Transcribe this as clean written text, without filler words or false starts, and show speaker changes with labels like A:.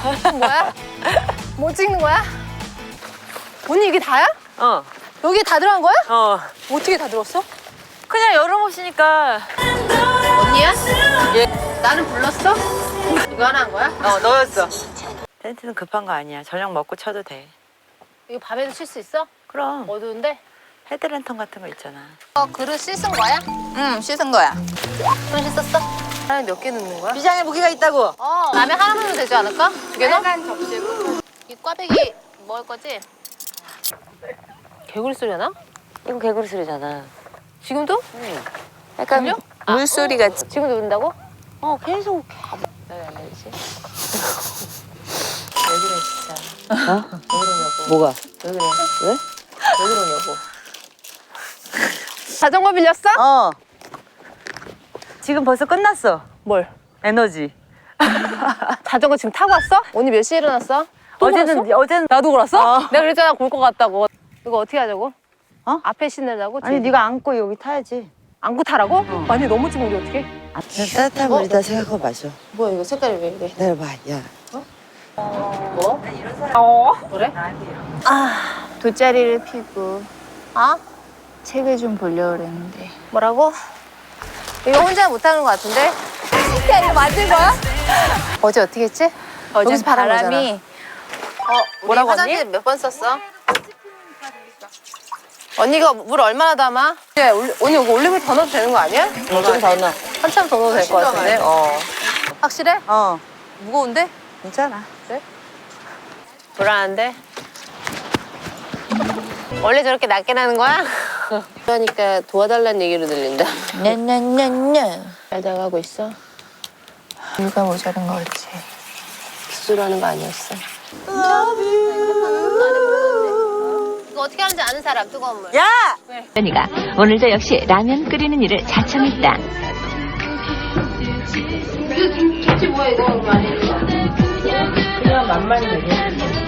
A: 뭐야? 뭐 찍는 거야? 언니 이게 다야?
B: 어.
A: 여기 다 들어간 거야?
B: 어.
A: 어떻게 다 들었어?
B: 그냥 여름 옷이니까.
A: 언니야?
B: 예.
A: 나는 불렀어? 이거 하나 한 거야?
B: 어, 너였어. 텐트는 급한 거 아니야. 저녁 먹고 쳐도 돼.
A: 이거 밤에도 칠 수 있어?
B: 그럼.
A: 어두운데?
B: 헤드랜턴 같은 거 있잖아.
A: 그릇 씻은 거야?
C: 응, 씻은 거야.
A: 손 씻었어? 하나 몇 개 넣는 거야?
B: 비장의 무기가 있다고.
A: 라면 하나만 넣으면 되지 않을까? 두 개 넣어? 빨간 접시로. 이 꽈배기 먹을 거지? 개구리 소리 하나?
B: 이거 개구리 소리잖아.
A: 지금도?
B: 응.
A: 약간 들려?
C: 물소리가
A: 지금도 운다고?
B: 계속.
A: 안 되지.
B: 왜 그래, 진짜. 어? 왜 그러냐고. 뭐가?
A: 왜 그래?
B: 왜?
A: 왜 그러냐고. 자전거 빌렸어?
B: 어. 지금 벌써 끝났어.
A: 뭘?
B: 에너지.
A: 자전거 지금 타고 왔어? 언니 몇 시에 일어났어? 또 걸었어?
B: 어제는
A: 나도 걸었어?
B: 어.
A: 내가 그랬잖아 굴 것 같다고. 이거 어떻게 하자고?
B: 어?
A: 앞에 신으려고?
B: 아니 네가 안고 여기 타야지.
A: 안고 타라고? 아니 넘어지면 우리 어떡해?
B: 따뜻한 물에다 생각하고 마셔.
A: 뭐야 이거 색깔이 왜 이래?
B: 내려봐, 야.
A: 뭐? 그래?
C: 돗자리를 피고
A: 아?
C: 책을 좀 보려고 그랬는데.
A: 뭐라고? 이거 혼자 못하는 것 같은데? 야 이거 만든 거야? 어제 어떻게 했지?
C: 어제
A: 여기서 바람
C: 바람이
A: 뭐라고 화장지 몇 번 썼어? 언니가 물 얼마나 담아? 언니 이거 올리브유 더 넣어도 되는 거 아니야?
B: 좀 더 넣어.
A: 한참 더 넣어도 될 것 같은데? 확실해?
B: 어.
A: 무거운데?
B: 괜찮아.
A: 불안한데? 원래 저렇게 낮게 나는 거야? 그러니까 도와달라는 얘기로 들린다.
C: 냐냐냐냐.
A: 잘 나가고 있어?
C: 물가 모자란 거 같지.
A: 빗소리 하는 거 아니었어? 이거 어떻게 하는지 아는 사람, 뜨거운 물.
B: 야!
D: 언니가 오늘도 역시 라면 끓이는 일을 자청했다.
A: 김치 뭐야, 이거 많이. 그냥 맛만 내게.